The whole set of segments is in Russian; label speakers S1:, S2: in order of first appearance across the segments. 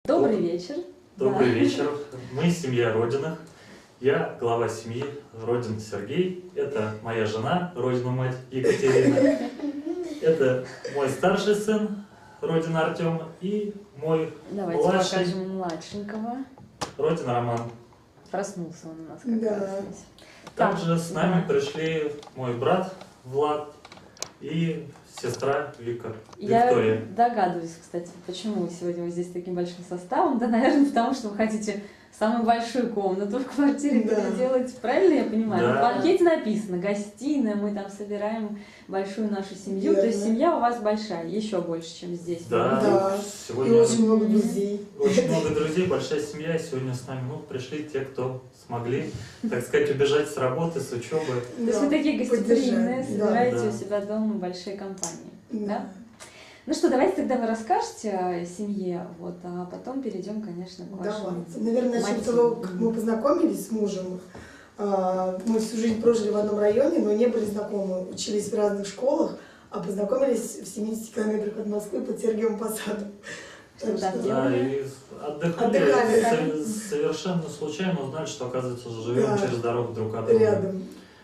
S1: Добрый вечер.
S2: Добрый вечер. Мы семья Родиных. Я глава семьи Родин Сергей. Это моя жена, Родина мать Екатерина. Это мой старший сын Родин Артем и мой
S1: Давайте
S2: младший
S1: покажем младшенького.
S2: Родин Роман.
S1: Проснулся он у нас как раз здесь.
S2: Также с нами пришли мой брат Влад и сестра Виктория.
S1: Я догадываюсь, кстати, почему сегодня вы здесь таким большим составом. Да, наверное, потому что вы хотите самую большую комнату в квартире переделать. Правильно я понимаю?
S2: Да.
S1: На банкете написано гостиная, мы там собираем большую нашу семью.
S3: Верно.
S1: То есть семья у вас большая, еще больше, чем здесь.
S2: Да,
S3: И
S2: сегодня
S3: очень много друзей.
S2: очень много друзей, большая семья. Сегодня с нами пришли те, кто смогли, так сказать, убежать с работы, с учебы.
S1: То есть вы такие гостеприимные,
S3: поддержать.
S1: собираете
S2: Да.
S1: у себя дома большие компании. Да?
S3: Да.
S1: Ну что, давайте тогда вы расскажете о семье, вот, а потом перейдем, конечно, к вашему.
S3: Давайте. Наверное, начнем с того, как мы познакомились с мужем. Мы всю жизнь прожили в одном районе, но не были знакомы. Учились в разных школах, а познакомились в 70 километрах от Москвы под Сергиевым Посадом. Так
S1: Да,
S3: что-
S2: Да, и отдыхали.
S3: Отдыхали.
S2: Совершенно случайно узнали, что, оказывается, живем
S3: Да.
S2: через дорогу друг от друга.
S3: Рядом.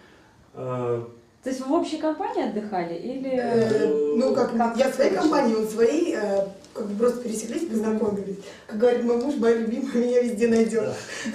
S1: То есть вы в общей компании отдыхали или...
S3: Ну, как я в своей
S1: получилось?
S3: компании, он в своей, как бы просто пересеклись, познакомились. Как говорит мой муж, моя любимая меня везде найдет.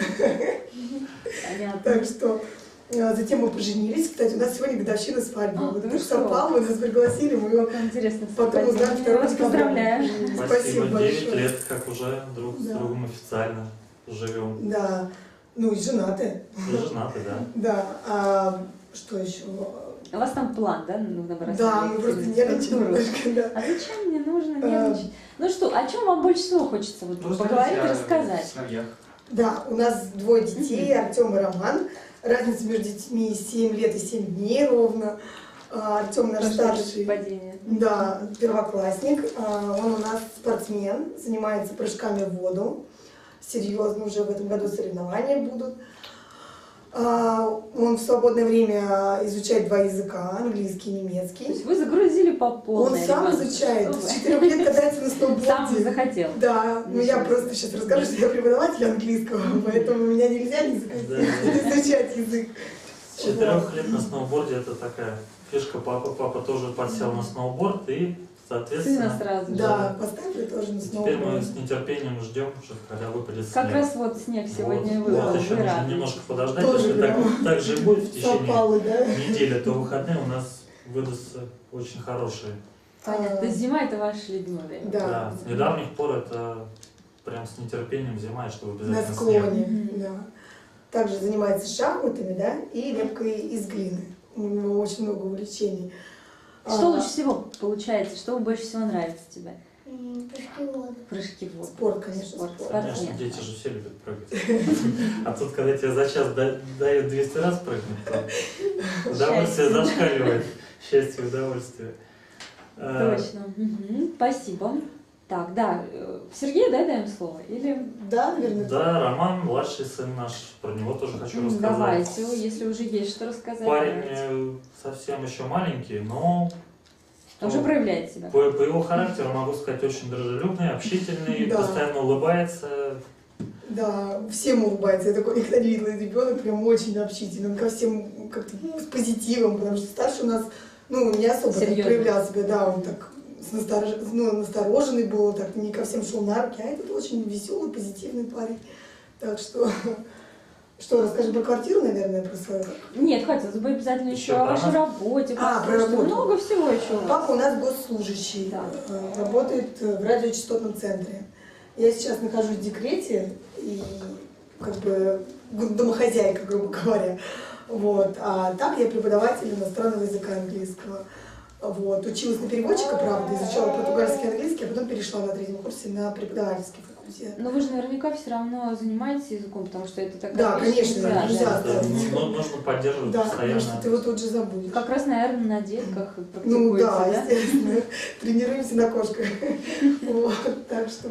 S1: Понятно.
S3: Так что затем мы поженились. Кстати, у нас сегодня годовщина свадьбы.
S1: А,
S3: Вот
S1: ну
S3: так
S1: что?
S3: совпало, вы нас пригласили, мы
S1: Как интересно.
S3: потом узнали
S1: совпадение.
S3: второй
S1: Вас
S3: декабря.
S1: поздравляю.
S2: Спасибо, 9
S3: большое.
S2: лет, как уже друг с
S3: Да.
S2: другом официально живем.
S3: Да, ну и женаты.
S2: И женаты, да.
S3: Да, а что еще?
S1: У вас там план, да? Ну, набрать
S3: Да, мы просто нервничаем немножко, да.
S1: А зачем мне нужно нервничать? Ну что, о чем вам больше всего хочется вот поговорить и рассказать?
S3: Да, у нас двое детей, Артем и Роман. Разница между детьми 7 лет и 7 дней ровно. Артем наш старший.
S1: Падение.
S3: Да, первоклассник. Он у нас спортсмен, занимается прыжками в воду. Серьезно, уже в этом году соревнования будут. Он в свободное время изучает 2 языка, английский и
S1: То
S3: немецкий.
S1: есть вы загрузили по полной.
S3: Он сам
S1: ребенка,
S3: изучает,
S1: что вы.
S3: с 4 лет катается на сноуборде.
S1: Сам захотел.
S3: Да, ну я просто сейчас расскажу, что я преподаватель английского, поэтому меня нельзя не изучать язык.
S2: С 4 лет на сноуборде это такая фишка. Папа тоже подсел на сноуборд и,
S1: Сына
S2: соответственно,
S1: сразу же.
S3: Да, поставили тоже на
S2: теперь мы
S3: сноуборд.
S2: с нетерпением ждем, когда выпадет
S1: Как
S2: снег.
S1: раз вот снег сегодня
S2: Вот,
S1: выпал.
S2: еще
S1: Вы
S2: нужно
S1: рады.
S2: немножко подождать,
S3: Тоже
S2: если так же и будет в течение
S3: Совпало, да?
S2: недели, то выходные у нас выдастся очень хорошие.
S1: Понятно. То есть зима это ваше любимое время.
S3: Да.
S2: С недавних пор это прям с нетерпением зима, чтобы
S3: На
S2: обязательно снег.
S3: склоне,
S1: Мгм.
S3: да. Также занимается шахматами, да, и лепкой из глины. У него очень много увлечений.
S1: Что лучше всего получается? Что больше всего нравится тебе?
S4: Прыжки в воду.
S1: Прыжки в воду.
S3: Спорт, конечно, спорт.
S2: Конечно,
S1: Спортсмен.
S2: дети же все любят прыгать. А тут, когда тебе за час дают 200 раз прыгнуть, то удовольствие зашкаливает. Счастье и удовольствие.
S1: Точно. Мгм. Спасибо. Так, да, Сергею, да, даем слово? Или
S3: Да, наверное.
S2: Да, Роман, младший сын наш, про него тоже хочу рассказать.
S1: давайте, если уже есть что рассказать.
S2: Парень
S1: давайте.
S2: совсем еще маленький, но
S1: Уже проявляет себя.
S2: по его характеру могу сказать очень дружелюбный, общительный,
S3: Да.
S2: постоянно улыбается.
S3: Да, всем улыбается. Я такой никогда не видела ребенок, прям очень общительный. Он ко всем как-то с позитивом, потому что старший у нас, ну, не особо так
S1: Серьезно.
S3: проявлял себя, да, он так настороженный был, так не ко всем шел на руки, а этот очень веселый, позитивный парень. Так что, расскажем про квартиру, наверное, про свою?
S1: Нет, хотелось бы обязательно еще
S2: Еще
S1: о
S2: про
S1: вашей
S2: нас?
S1: работе.
S3: А, про
S1: послушать.
S3: работу.
S1: Много всего еще у вас.
S3: Папа у нас госслужащий,
S1: Да.
S3: работает в радиочастотном центре. Я сейчас нахожусь в декрете и как бы домохозяйка, грубо говоря. Вот. А так я преподаватель иностранного языка английского. Вот. Училась на переводчика, правда, изучала португальский и английский, а потом перешла на 3-м курсе на преподавательский факультет.
S1: Но вы же наверняка все равно занимаетесь языком, потому что это такая
S3: Да,
S1: вещь,
S3: конечно,
S1: нельзя,
S3: нельзя
S1: да.
S3: оставить.
S2: Нужно поддерживать
S3: Да, потому
S2: постоянно.
S3: что ты его тут же забудешь.
S1: Как раз, наверное, на детках
S3: Ну
S1: практикуете,
S3: да,
S1: да?
S3: естественно. Тренируемся на кошках. Вот, так что...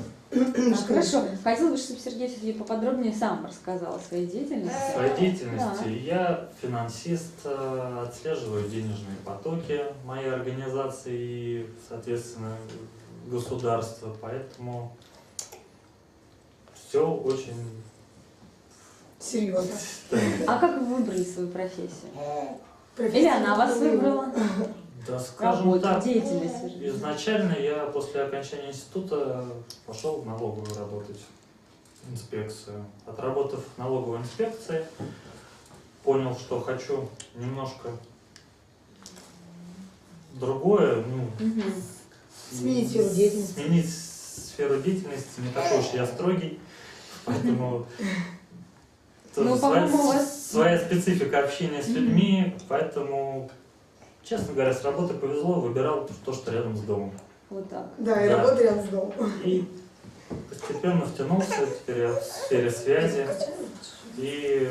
S1: Хорошо. Хотела бы, чтобы Сергей все-таки поподробнее сам рассказал о своей деятельности.
S2: В своей деятельности я финансист, отслеживаю денежные потоки моей организации и, соответственно, государства. Поэтому все очень...
S3: Серьезно.
S1: А как вы выбрали свою профессию?
S3: Профессия
S1: Или она вас выбрала?
S2: Да, скажем
S1: Работу,
S2: так,
S1: деятельность, вернее.
S2: изначально я после окончания института пошел в налоговую работать, инспекцию. Отработав в налоговой инспекции, понял, что хочу немножко другое,
S1: Мгм.
S3: Сменить сферу деятельности.
S2: Сменить сферу деятельности, не такой уж я строгий, поэтому тоже
S1: Ну, по-моему, у вас-
S2: своя специфика общения с людьми, поэтому, честно говоря, с работы повезло, выбирал то, что рядом с домом.
S1: Вот так.
S3: Да, и
S2: Да.
S3: работа рядом с домом.
S2: И постепенно втянулся, теперь я в сфере связи. И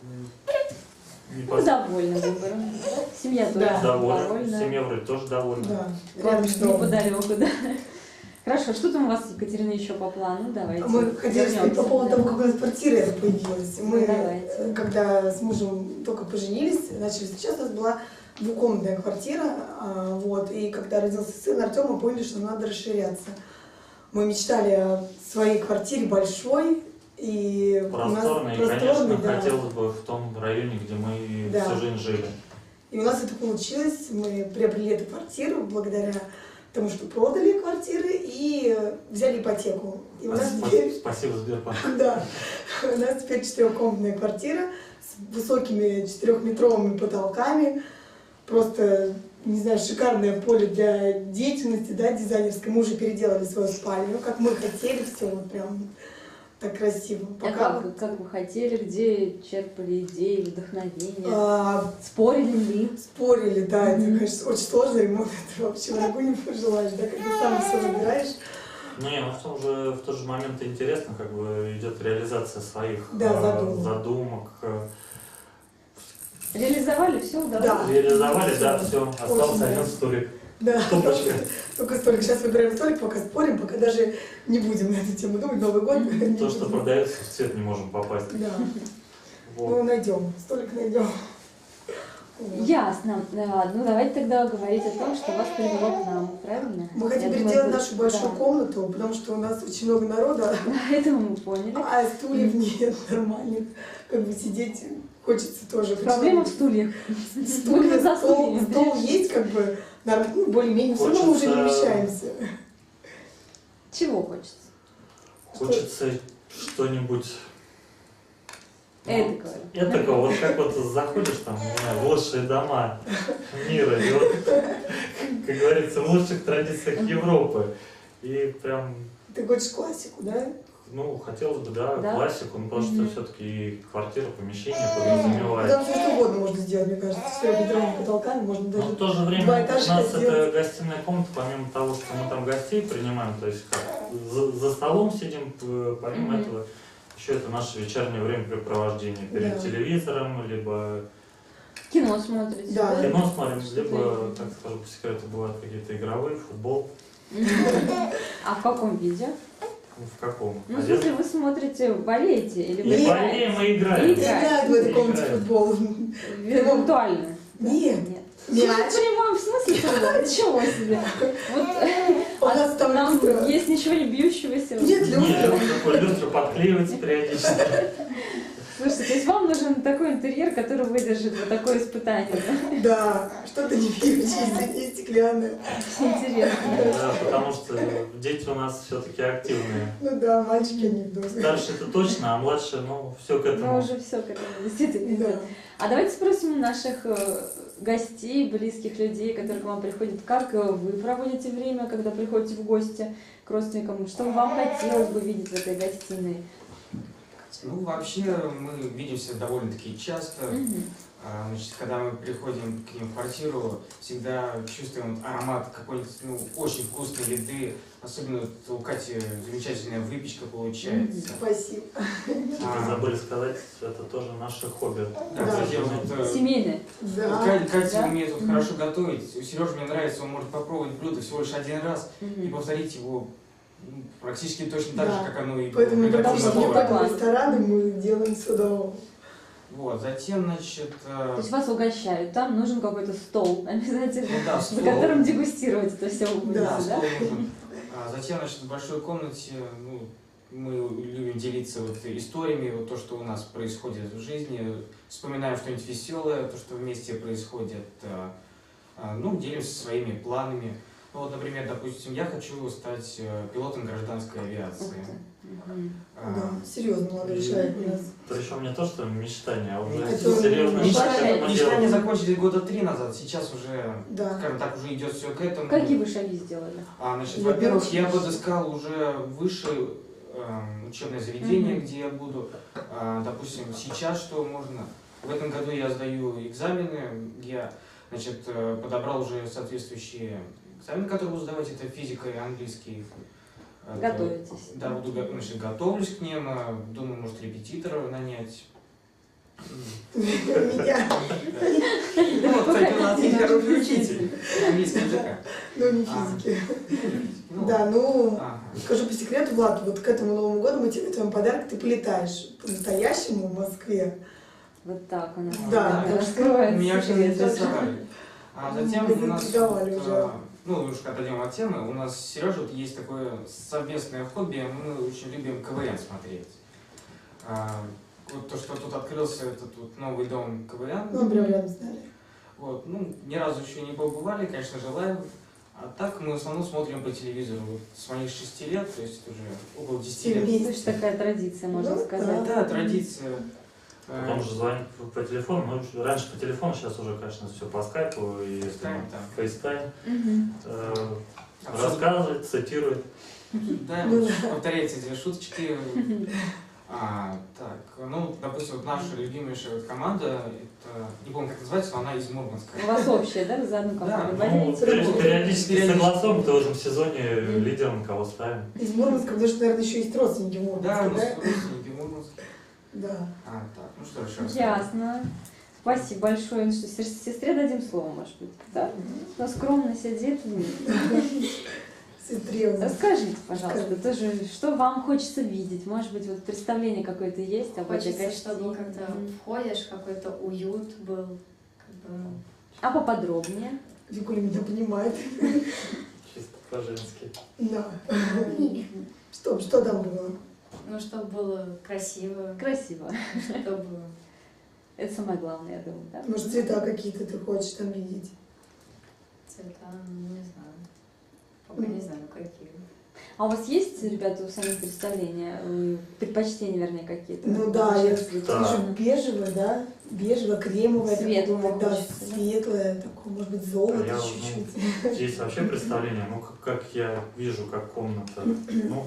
S1: Ну, довольна выбором. Семья тоже
S3: Да.
S2: доволен.
S1: довольна.
S2: Семья вроде тоже довольна.
S3: Да,
S1: Рядом
S3: рядом с домом.
S1: неподалеку, да. Хорошо, что там у вас, Екатерина, еще по плану? Давайте.
S3: Мы хотели сказать по поводу того, как у нас квартира эта появилась. Мы,
S1: Давайте.
S3: когда с мужем только поженились, начали встречаться, у нас была двухкомнатная квартира, вот, и когда родился сын Артем, мы поняли, что надо расширяться. Мы мечтали о своей квартире большой, и
S2: Просторно, и,
S3: у нас
S2: конечно,
S3: да.
S2: хотелось бы в том районе, где мы
S3: Да.
S2: всю жизнь жили.
S3: И у нас это получилось. Мы приобрели эту квартиру благодаря тому, что продали квартиры и взяли ипотеку. И у нас теперь,
S2: Спасибо, Сбербанк.
S3: да, у нас теперь 4-комнатная квартира с высокими 4-метровыми потолками. Просто, не знаю, шикарное поле для деятельности, да, дизайнерской. Мы уже переделали свою спальню, как мы хотели, все вот прям так красиво.
S1: А как вы хотели, где черпали идеи, вдохновение? Спорили ли?
S3: Спорили, да, это, конечно, очень сложный ремонт, это вообще врагу не пожелаешь, да, когда сам все выбираешь.
S2: Не, ну в тот же момент интересно, как бы идет реализация своих
S3: Да,
S2: задумок.
S1: Реализовали, все удалось?
S3: Да.
S2: Реализовали, да, все, остался
S3: Очень
S2: один
S3: да.
S2: столик.
S3: Да,
S2: Тумбочка.
S3: только столик. Сейчас выбираем столик, пока спорим, пока даже не будем на эту тему думать, Новый год. не
S2: То, что
S3: будем.
S2: продается, в цвет не можем попасть.
S3: Да,
S2: Вот.
S3: ну найдем, столик найдем. Вот.
S1: Ясно. Ну, давайте тогда говорить о том, что вас привело к нам, правильно?
S3: Мы хотим
S1: Я думаю,
S3: переделать
S1: это-
S3: нашу большую
S1: да.
S3: комнату, потому что у нас очень много народа,
S1: Это мы поняли.
S3: а стульев нет нормальных. Как бы сидеть хочется тоже.
S1: Проблема в стульях.
S3: Стулья,
S1: Мы за
S3: стол
S1: стульями.
S3: есть, как бы, ну, более-менее, все равно мы уже не
S2: Хочется-
S3: вмещаемся.
S1: Чего хочется?
S2: Хочется что-нибудь
S1: Эдакого.
S2: этакого, вот как вот заходишь там, не знаю, в лучшие дома мира, и вот, как говорится, в лучших традициях Европы. И прям,
S3: Ты хочешь классику, да?
S2: ну, хотелось бы, да,
S1: Да?
S2: классику, ну, потому что
S1: Мгм.
S2: все-таки квартира, помещение
S3: Там
S2: подразумевает.
S3: все что угодно можно сделать, мне кажется. С 4-метровыми потолками можно
S2: Но
S3: даже...
S2: в то же время
S3: два
S2: у
S3: этажа
S2: нас
S3: сделать.
S2: это гостиная комната, помимо того, что мы там гостей принимаем, то есть как за столом сидим, помимо
S1: Мгм.
S2: этого, еще это наше вечернее времяпрепровождение перед
S3: Да.
S2: телевизором, либо
S1: Кино смотрите.
S3: Да.
S2: кино смотрим,
S1: Что
S2: либо, так скажу по секрету, бывают какие-то игровые, футбол.
S1: А в каком виде?
S2: Ну, в каком?
S1: Ну, в смысле, вы смотрите, болеете или вы
S2: Не
S3: Нет.
S2: болеем, мы играем.
S3: Играют в этой комнате в
S2: Играем.
S3: футбол.
S1: виртуально?
S3: Нет.
S1: Нет.
S3: Мяч.
S1: В прямом смысле футбол? Ничего себе. Вот
S3: У нас там
S1: нам
S3: люстра.
S1: есть ничего не бьющегося.
S3: Нет, люстра.
S2: Нет, такой люстру подклеивается периодически.
S1: Слушайте, то есть вам нужен такой интерьер, который выдержит вот такое испытание, да?
S3: Да, что-то не пьющееся, не стеклянное.
S1: Интересно.
S2: Да, потому что дети у нас все-таки активные.
S3: Ну да, мальчики они вдруг.
S2: Старше это точно, а младше, ну, все к
S1: Мы
S2: этому.
S1: уже все к этому действительно
S3: Да.
S1: идет. А давайте спросим у наших гостей, близких людей, которые к вам приходят, как вы проводите время, когда приходите в гости к родственникам, что вам хотелось бы видеть в этой гостиной?
S5: Ну, вообще, мы видимся довольно-таки часто.
S1: Мгм.
S5: Значит, когда мы приходим к ним в квартиру, всегда чувствуем аромат какой-нибудь, ну, очень вкусной еды. Особенно вот у Кати замечательная выпечка получается.
S3: Спасибо.
S2: Вы забыли сказать, это тоже наше хобби.
S5: Да,
S3: Да.
S5: кстати, вот,
S1: Семейные.
S5: вот
S3: Да.
S5: Катя
S1: Да?
S5: умеет вот хорошо готовить. У Сережи мне нравится, он может попробовать блюдо всего лишь один раз и
S1: Мгм.
S5: повторить его ну, практически точно так
S3: Да.
S5: же, как оно и
S3: Поэтому мы
S5: приготовлено
S3: потому что не
S5: поваром.
S3: ходим в рестораны, мы делаем все дома.
S5: Вот, затем, значит,
S1: То есть вас угощают, там нужен какой-то стол обязательно,
S5: ну да,
S1: за
S5: стол.
S1: которым дегустировать это все вы будете,
S3: Да,
S1: да?
S5: стол нужен. Затем, значит, в большой комнате, ну, мы любим любим делиться вот историями, вот то, что у нас происходит в жизни, вспоминаем что-нибудь веселое, то, что вместе происходит, ну, делимся своими планами. Ну, вот, например, допустим, я хочу стать пилотом гражданской авиации.
S1: Ух ты. Мгм.
S3: Да, серьезно, молодой человек у нас.
S2: Причем не то, что мечтание, а уже
S3: Это
S2: серьезно
S1: мечтание.
S5: Мечтания закончились года 3 назад, сейчас уже,
S3: Да.
S5: скажем так, уже идет все к этому.
S1: Какие вы шаги сделали?
S5: Значит,
S3: Я
S5: во-первых,
S3: первый
S5: я
S3: шаг.
S5: подыскал уже высшее учебное заведение, где я буду, допустим, сейчас что можно. В этом году я сдаю экзамены, я, значит, подобрал уже соответствующие экзамены, которые буду сдавать, это физика и английский.
S1: Готовитесь?
S5: Да, буду, значит, готовлюсь к ним, думаю, может, репетитора нанять.
S3: Меня,
S5: Ну, кстати, у нас есть хороший учитель английского языка.
S3: но не физики.
S5: Ну,
S3: Да, ну,
S5: ага.
S3: скажу по секрету, Влад, вот к этому Новому году мы тебе готовим подарок, ты полетаешь по-настоящему в Москве.
S1: Вот так у нас.
S3: Да,
S5: так
S3: что
S1: раскроется
S5: Меня очень
S1: секрет.
S5: заинтересовали. А затем
S3: Мы
S5: у нас,
S3: заинтриговали уже.
S5: ну, немножко отойдем от темы, у нас с Сережей вот есть такое совместное хобби, мы очень любим КВН смотреть. Вот то, что тут открылся этот вот новый дом КВН,
S3: Ну, прям рядом с нами.
S5: вот, ну, ни разу еще не побывали, конечно, желаем. А так мы в основном смотрим по телевизору. Вот с моих 6 лет, то есть уже около 10
S3: 7
S5: лет.
S3: месяцев.
S1: То есть такая традиция, можно
S3: Ну,
S1: сказать.
S5: Да, традиция.
S2: Потом же звонить по телефону. Ну, раньше по телефону, сейчас уже, конечно, все по скайпу и
S5: Скайп, да.
S2: фейстайм.
S1: Мгм.
S2: Рассказывает, цитирует.
S5: Да,
S3: Ну
S5: вот
S3: да.
S5: повторяйте эти шуточки. Так, ну, допустим, вот наша любимейшая вот команда, это, не помню, как называется, но она из Мурманска.
S1: У вас общее, да, вы за одну компанию?
S5: Да,
S2: Ну,
S1: болеете?
S2: периодически согласуем, кто в этом сезоне лидером, кого ставим.
S3: Из Мурманска, потому что, наверное, еще есть родственники в
S5: Да, у
S3: Мурманске,
S5: нас
S3: да?
S5: родственники в Мурманске.
S3: Да.
S5: Так, ну что еще раз?
S1: Ясно. Спасибо большое. Ну что, сестре дадим слово, может быть, да? Она скромно сидит.
S3: Сестре.
S1: Расскажите, пожалуйста,
S3: Скажите.
S1: тоже, что вам хочется видеть? Может быть, вот представление какое-то есть об этой
S6: Хочется,
S1: гостинице?
S6: чтобы когда входишь, какой-то уют был. Как бы,
S1: А поподробнее?
S3: Викуля меня понимает.
S2: Чисто по-женски.
S3: Да. Что там было?
S6: ну, чтобы было красиво,
S1: Красиво.
S6: чтобы...
S1: Это самое главное, я думаю, да?
S3: Может, цвета какие-то ты хочешь там видеть?
S6: Цвета, ну, не знаю. Пока не знаю, какие.
S1: А у вас есть, ребята, у самих представления, предпочтения, вернее, какие-то?
S3: Ну да, я
S2: Да.
S3: вижу бежевое, да? Бежевое, кремовое.
S1: Светлое
S3: такое, да,
S1: хочется, да?
S3: светлое, такое, может быть, золото
S2: Я,
S3: чуть-чуть.
S2: Здесь вообще представление, ну, как я вижу, как комната. Ну,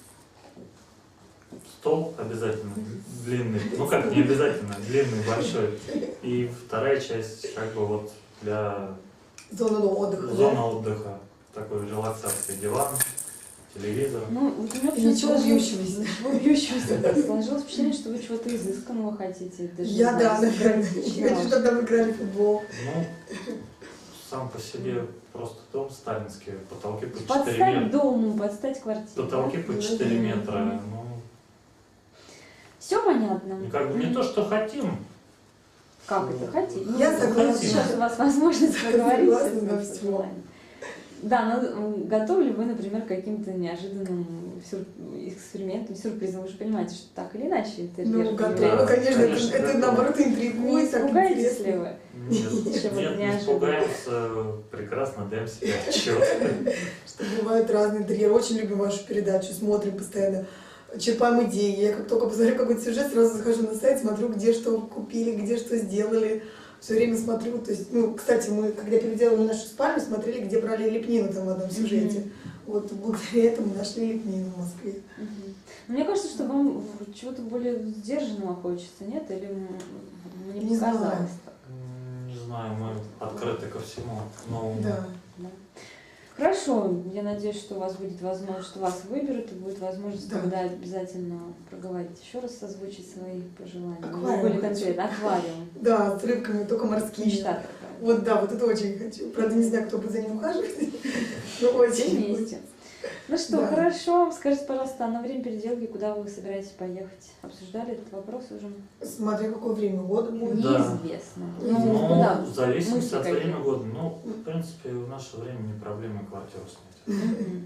S2: стол обязательно длинный. Ну, как не обязательно, длинный, большой. И вторая часть, как бы вот для
S3: Зона отдыха. да?
S2: зоны отдыха. Такой релаксации, диван, телевизор.
S1: Ну, вот у меня
S3: И ничего
S1: сложилось-
S3: бьющегося.
S1: Ничего бьющегося, да. Сложилось впечатление, что вы чего-то изысканного хотите. Даже не
S3: Я,
S1: знаю,
S3: да, наверное.
S1: сократичного.
S3: Я хочу, чтобы там играли в футбол.
S2: Ну, сам по себе просто дом сталинский, потолки по 4
S1: Подстать
S2: метра.
S1: дому, подстать квартире.
S2: Потолки по 4 метра. Ну,
S1: Все понятно.
S2: и как бы не то, что хотим.
S1: Как это хотите? Ну,
S3: Я согласна.
S1: Сейчас у вас возможность поговорить.
S3: Согласна
S1: с
S3: на
S1: этим
S3: всё.
S1: желанием. Да, но готовы ли вы, например, к каким-то неожиданным экспериментам, сюрпризам? Вы же понимаете, что так или иначе интерьер.
S3: Ну, готово,
S2: Да,
S3: конечно,
S2: конечно,
S3: это
S2: готово.
S3: наоборот
S1: Не
S3: интригует, так
S1: испугаетесь
S3: интересно.
S1: ли вы?
S2: Нет,
S1: Чего-то
S2: нет, не
S1: неожиданного.
S2: испугаемся, прекрасно даем себе отчет.
S3: Что бывают разные интерьеры. Очень любим вашу передачу, смотрим постоянно, черпаем идеи. Я как только посмотрю какой-то сюжет, сразу захожу на сайт, смотрю, где что купили, где что сделали. Все время смотрю. То есть, ну, кстати, мы, когда переделали нашу спальню, смотрели, где брали лепнину там в одном сюжете. Вот благодаря этому нашли лепнину в Москве.
S1: Мгм. Мне кажется, что вам чего-то более сдержанного хочется, нет? Или мне
S3: Не знаю.
S1: показалось так?
S2: Не знаю, мы открыты ко всему новому.
S3: Да.
S1: Да. Хорошо, я надеюсь, что у вас будет возможность, что вас выберут, и будет возможность
S3: Да.
S1: тогда обязательно проговорить еще раз, озвучить свои пожелания. Ну,
S3: Аквариум
S1: более
S3: хочу.
S1: конкретно, аквариум.
S3: Да, с рыбками, только морские.
S1: Мечта такая.
S3: Вот да, вот это очень хочу. Правда, не знаю, кто будет за ним ухаживать, но
S1: Все
S3: очень.
S1: вместе. Ну что,
S3: Да.
S1: хорошо. Скажите, пожалуйста, а на время переделки куда вы собираетесь поехать? Обсуждали этот вопрос уже?
S3: Смотря какое время года будет.
S2: Да.
S1: Неизвестно.
S3: Ну,
S1: Ну, куда?
S2: в зависимости
S1: Мысли
S2: от
S1: какие?
S2: времени года. Ну, в принципе, в наше время не проблема квартиру снять.
S1: Мгм.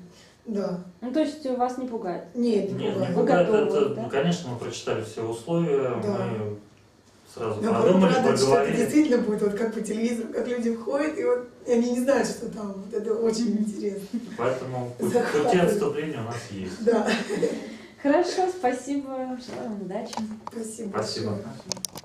S3: Да.
S1: Ну, то есть вас не пугает?
S3: Нет, не
S2: Нет, не
S3: пугает.
S2: пугает.
S1: готовы,
S2: Это,
S1: да?
S2: ну, конечно, мы прочитали все условия,
S3: Да.
S2: мы сразу
S3: Наоборот,
S2: подумали,
S3: радует, что это
S2: поговорили.
S3: действительно будет вот как по телевизору, как люди входят, и вот и они не знают, что там. Вот это очень интересно.
S2: Поэтому пути
S3: Захватывает.
S2: отступления у нас есть.
S3: Да.
S1: Хорошо, спасибо. Желаю вам удачи.
S3: Спасибо.
S2: Спасибо.
S3: большое.